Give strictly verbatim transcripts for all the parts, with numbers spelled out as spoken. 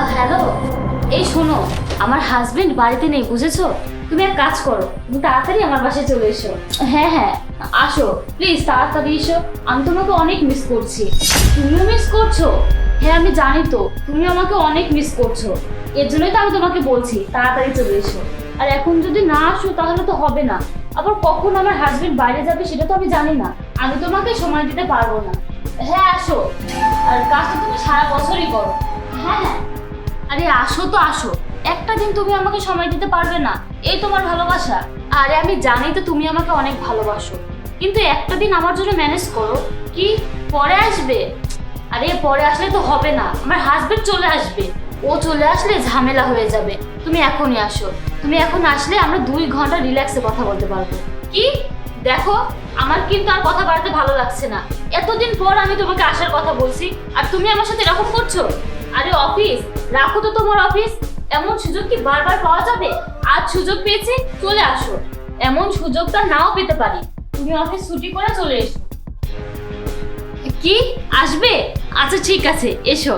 Hello, এই শোনো, আমার হাজবেন্ড বাড়িতে নেই, বুঝেছো? তুমি এক কাজ করো, তুমি তাড়াতাড়ি আমার বাসায় চলে এসো। হ্যাঁ হ্যাঁ, আসো প্লিজ, তাড়াতাড়ি এসো। আমি তোমাকে অনেক মিস করছি। তুমিও মিস করছো? হ্যাঁ আমি জানি তো, তুমি আমাকে অনেক মিস করছো। এর জন্যই তো আমি তোমাকে বলছি তাড়াতাড়ি চলে এসো। আর এখন যদি না আসো তাহলে তো হবে না। আবার কখন আমার হাজবেন্ড বাইরে যাবে সেটা তো আমি জানি না। আমি তোমাকে সময় দিতে পারবো না। হ্যাঁ আসো। আর কাজটা তুমি সারা বছরই করো। হ্যাঁ হ্যাঁ, আরে আসো তো আসো। একটা দিন তুমি আমাকে সময় দিতে পারবে না? এই তোমার ভালোবাসা? আরে আমি জানি তো তুমি আমাকে অনেক ভালোবাসো, কিন্তু একটা দিন আমার জন্য ম্যানেজ করো। কি পরে আসবে? আরে পরে আসলে তো হবে না, আমার হাজবেন্ড চলে আসবে। ও চলে আসলে ঝামেলা হয়ে যাবে। তুমি এখনই আসো। তুমি এখন আসলে আমরা দুই ঘন্টা রিল্যাক্সে কথা বলতে পারবো। কি দেখো, আমার কিন্তু আর কথা বাড়তে ভালো লাগছে না। এতদিন পর আমি তোমাকে আসার কথা বলছি আর তুমি আমার সাথে এরকম করছো। আরে অফিস রাখো তো তোমার অফিস। এমন সুযোগ কি বারবার পাওয়া যাবে? আজ সুযোগ পেয়েছি, চলে আসো। এমন সুযোগটা নাও পেতে পারি। তুমি অফিস ছুটি করে চলে এসো। কি আসবে? আচ্ছা ঠিক আছে, এসো।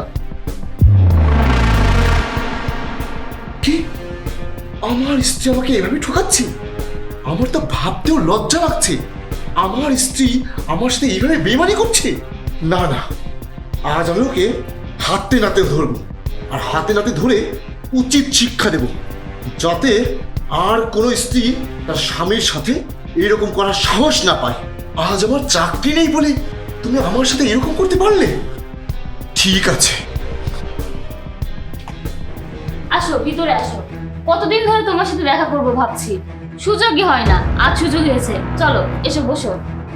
কি, আমার স্ত্রী আমাকে এভাবে ঠকাচ্ছে? আমার তো ভাবতেও লজ্জা লাগছে। আমার স্ত্রী আমার সাথে এইভাবে বেইমানি করছে। না না, আজ আমি ওকে হাতে নাতে ধরবো, আর হাতে নাতে ধরে উচিত শিক্ষা দেব, যাতে আর কোনো স্ত্রী তার স্বামীর সাথে এরকম করার সাহস না পায়। আজ আমার চাকরি নেই বলে তুমি আমার সাথে এরকম করতে পারলে? ঠিক আছে, আসো ভিতরে আসো। কতদিন ধরে তোমার সাথে দেখা করবো ভাবছি, সুযোগই হয় না। আজ সুযোগ হয়েছে, চলো এসো বসো।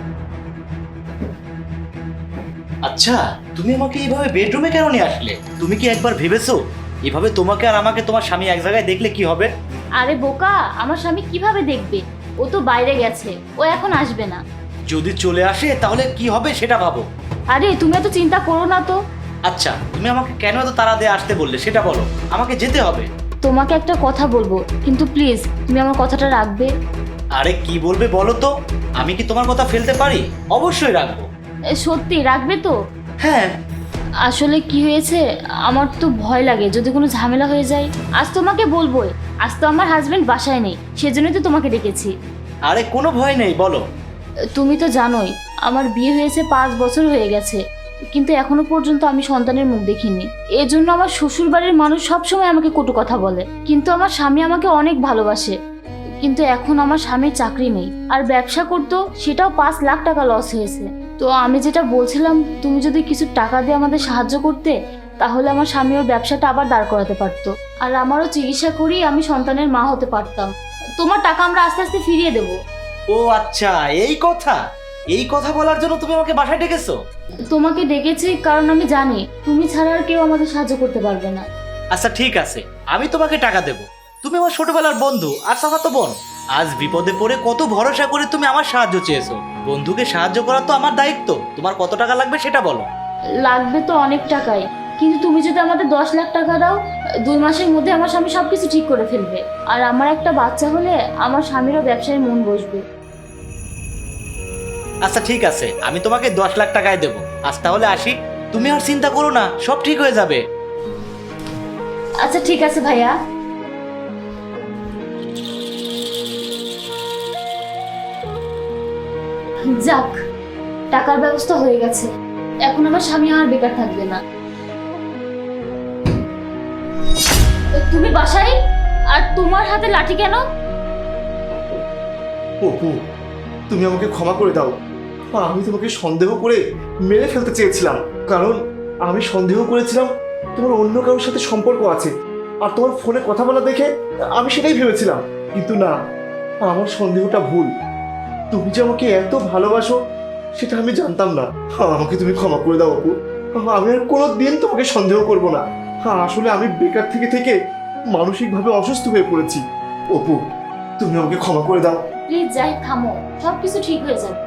আচ্ছা, তুমি আমাকে এইভাবে বেডরুমে কেন নিয়ে আসলে? তুমি কি একবার ভেবেছো এভাবে তোমাকে আর আমাকে তোমার স্বামী এক জায়গায় দেখলে কি হবে? আরে বোকা, আমার স্বামী কিভাবে দেখবে? ও তো বাইরে গেছে, ও এখন আসবে না। যদি চলে আসে তাহলে কি হবে সেটা ভাবো। আরে তুমি এত চিন্তা করো না তো। আচ্ছা, তুমি আমাকে কেন এত তাড়া দিয়ে আসতে বললে সেটা বলো। আমাকে যেতে হবে। তোমাকে একটা কথা বলবো, কিন্তু প্লিজ তুমি আমার কথাটা রাখবে। আরে কি বলবে বলো তো? আমি কি তোমার কথা ফেলতে পারি? অবশ্যই রাখবো। এ, সত্যি রাখবে তো? হ্যাঁ। আসলে কি হয়েছে, আমার তো ভয় লাগে যদি কোনো ঝামেলা হয়ে যায়। আজ তোমাকে বলবোই, আজ তো আমার হাজবেন্ড বাসায় নেই, সেজন্যই তো তোমাকে ডেকেছি। আরে কোনো ভয় নেই, বলো। তুমি তো জানোই আমার বিয়ে হয়েছে পাঁচ বছর হয়ে গেছে, কিন্তু এখনো পর্যন্ত আমি সন্তানের মুখ দেখিনি। এর জন্য আমার শ্বশুর বাড়ির মানুষ সবসময় আমাকে কটু কথা বলে, কিন্তু আমার স্বামী আমাকে অনেক ভালোবাসে। কিন্তু এখন আমার স্বামীর চাকরি নেই, আর ব্যবসা করতো, সেটাও পাঁচ লাখ টাকা লস হয়েছে। তো আমি যেটা বলছিলাম, তুমি যদি কিছু টাকা দিয়ে আমাদের সাহায্য করতে, তাহলে আমার স্বামী ওর ব্যবসাটা আবার দাঁড় করাতে পারতো, আর আমারও চিকিৎসা করেই আমি সন্তানের মা হতে পারতাম। তোমার টাকা আমরা আস্তে আস্তে ফিরিয়ে দেবো। ও আচ্ছা, এই কথা। এই কথা বলার জন্য তুমি আমাকে বাসায় ডেকেছো? তোমাকে ডেকেছি কারণ আমি জানি তুমি ছাড়া আর কেউ আমাদের সাহায্য করতে পারবে না। আচ্ছা ঠিক আছে, আমি তোমাকে টাকা দেব। তুমি আমার ছোটবেলার বন্ধু আর চাচাতো বোন। আজ বিপদে পড়ে কত ভরসা করে তুমি আমার সাহায্য চেয়েছো। বন্ধুকে সাহায্য করা তো আমার দায়িত্ব। তোমার কত টাকা লাগবে সেটা বলো। লাগবে তো অনেক টাকাই, কিন্তু তুমি যদি আমাদের দশ লাখ টাকা দাও, দুই মাসের মধ্যে আমার স্বামী সবকিছু ঠিক করে ফেলবে। আর আমার একটা বাচ্চা হলে আমার স্বামীরও ব্যবসায় মন বসবে। আচ্ছা ঠিক আছে, আমি তোমাকে দশ লাখ টাকায় দেবো। আজ তাহলে আসি। তুমি আর চিন্তা করো না, সব ঠিক হয়ে যাবে। আচ্ছা ঠিক আছে ভাইয়া। যাক, টাকার ব্যবস্থা হয়ে গেছে। এখন আমার স্বামী আর বেকার থাকবে না। তুমি বাসায়, আর তোমার হাতে লাঠি কেন? অপু, তুমি আমাকে ক্ষমা করে দাও। আমি তোমাকে সন্দেহ করে মেরে ফেলতে চেয়েছিলাম, কারণ আমি সন্দেহ করেছিলাম তোমার অন্য কারোর সাথে সম্পর্ক আছে, আর তোমার ফোনে কথা বলা দেখে আমি সেটাই ভেবেছিলাম। কিন্তু না, আমার সন্দেহটা ভুল। তুমি যে আমাকে এত ভালোবাসো সেটা আমি জানতাম না। আমাকে তুমি ক্ষমা করে দাও অপু। আমি আর কোনো দিন তোমাকে সন্দেহ করব না। আসলে আমি বেকার থেকে থেকে মানসিকভাবে অসুস্থ হয়ে পড়েছি। অপু, তুমি আমাকে ক্ষমা করে দাও। প্লিজ যাই, থামো, সবকিছু ঠিক হয়ে যাবে।